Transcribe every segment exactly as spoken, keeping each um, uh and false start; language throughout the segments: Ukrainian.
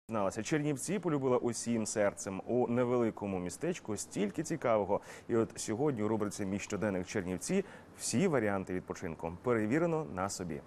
Зналася, Чернівці полюбила усім серцем. У невеликому містечку стільки цікавого. І от сьогодні у рубриці «Мій щоденник Чернівці» всі варіанти відпочинку перевірено на собі.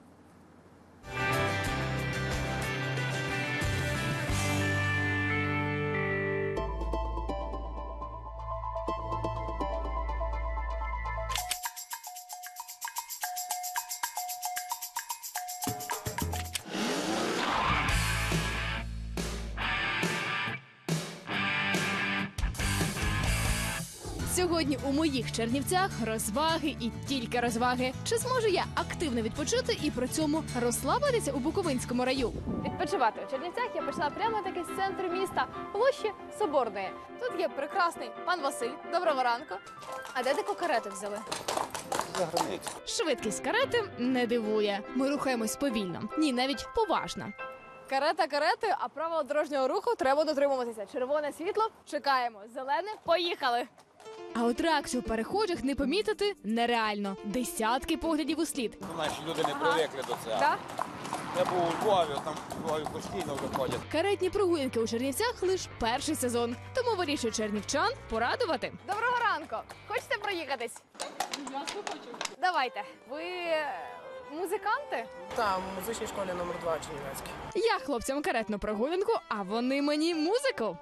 Сьогодні у моїх Чернівцях розваги і тільки розваги. Чи зможу я активно відпочити і при цьому розслабитися у Буковинському раю? Відпочивати у Чернівцях я почала прямо таки з центру міста, площі Соборної. Тут є прекрасний пан Василь. Доброго ранку. А де таку карету взяли? За границю. Швидкість карети не дивує. Ми рухаємось повільно. Ні, навіть поважно. Карета каретою, а правил дорожнього руху треба дотримуватися. Червоне світло – чекаємо. Зелене – поїхали. А от реакцію перехожих не помітити нереально. Десятки поглядів у слід. Наші люди не привикли до цього. Да? Я був у Львові, там у Львові постійно виходять. Каретні прогулянки у Чернівцях лише перший сезон. Тому вирішую чернівчан порадувати. Доброго ранку! Хочете проїхатись? Я хочу. Давайте. Ви музиканти? Так, в музичній школі номер два Чернівецькій. Я хлопцям каретну прогулянку, а вони мені музику.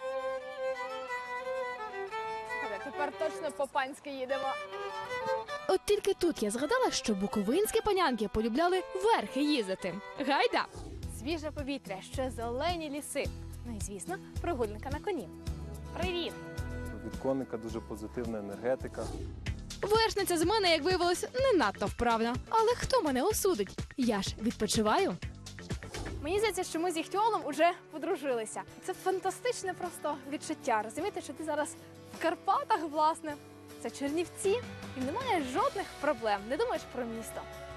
Тепер точно по-панськи їдемо. От тільки тут я згадала, що буковинські панянки полюбляли верхи їздити. Гайда! Свіже повітря, ще зелені ліси. Ну і, звісно, прогулянка на коні. Привіт! Від коника дуже позитивна енергетика. Вершниця з мене, як виявилось, не надто вправна. Але хто мене осудить? Я ж відпочиваю. Мені здається, що ми з Іхтіолом уже подружилися. Це фантастичне просто відчуття. Розумієте, що ти зараз в Карпатах, власне. Це Чернівці, і немає жодних проблем. Не думаєш про місто.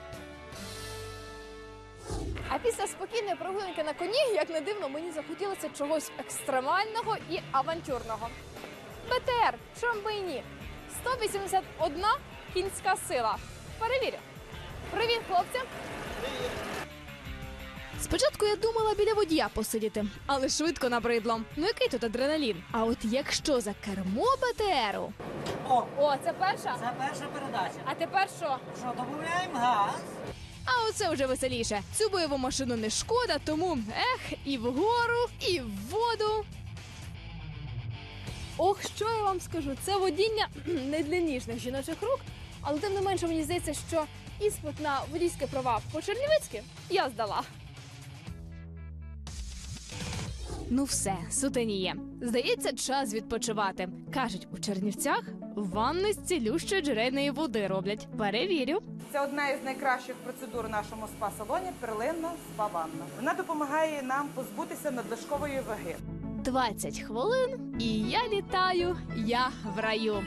А після спокійної прогулянки на коні, як не дивно, мені захотілося чогось екстремального і авантюрного. Бе Те Ер, чому б і ні? сто вісімдесят одна кінська сила. Перевірю. Привіт, хлопці! Привіт! Спочатку я думала біля водія посидіти, але швидко набридло. Ну який тут адреналін? А от якщо за кермо Бе Те Еру... О, О, це перша? це перша передача. А тепер що? Що, додаємо газ? А оце вже веселіше. Цю бойову машину не шкода, тому ех, і вгору, і в воду. Ох, що я вам скажу, це водіння не для ніжних жіночих рук, але тим не менше мені здається, що іспит на водійські права по-чернівецьки я здала. Ну все, сутеніє. Здається, час відпочивати. Кажуть, у Чернівцях ванни з цілющої джерельної води роблять. Перевірю. Це одна із найкращих процедур у нашому спа-салоні – перлинна спа-ванна. Вона допомагає нам позбутися надлишкової ваги. двадцять хвилин, і я літаю, я в раю.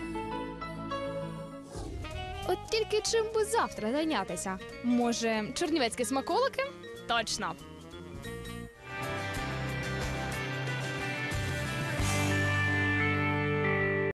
От тільки чим би завтра зайнятися? Може, чернівецькі смаколики? Точно!